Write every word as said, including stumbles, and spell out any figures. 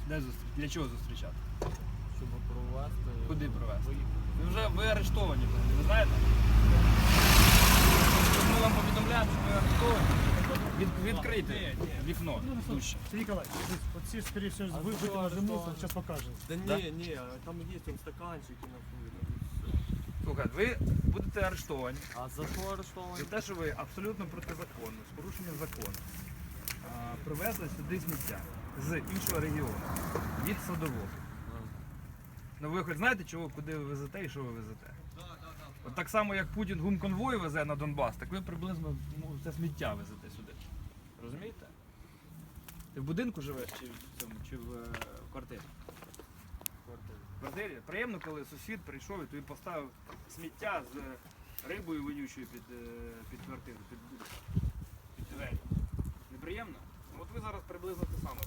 Де зустріч? Для чого зустрічати? Щоб провести. Куди провести? Виїхати. Ви вже ви арештовані, ви знаєте? Ми вам повідомляємо, що ви арештовані. Від, відкрийте вікно. Дужче. Сергей Николаевич, вот все, скорее всего, А вы что, выкинули что? мусор, сейчас покажем. Да Да? не, не, там есть он стаканчики на хуй. Слухайте, ви будете арештовані А за що арештовані? за те, що ви абсолютно протизаконно, з порушенням закону, а, привезли сюди сміття з іншого регіону, від Садового. Ну ви хоч знаєте, чого, куди ви везете і що ви везете? От так само, як Путін гумконвої везе на Донбас, так ви приблизно ну, це сміття везете сюди. Розумієте? Ти в будинку живеш чи в цьому, чи в, е, в квартирі? В квартирі. Приємно, коли сусід прийшов і тобі поставив сміття з рибою вонючою під, е, під квартиру, під будинок, під двері. Неприємно? От ви зараз приблизно те саме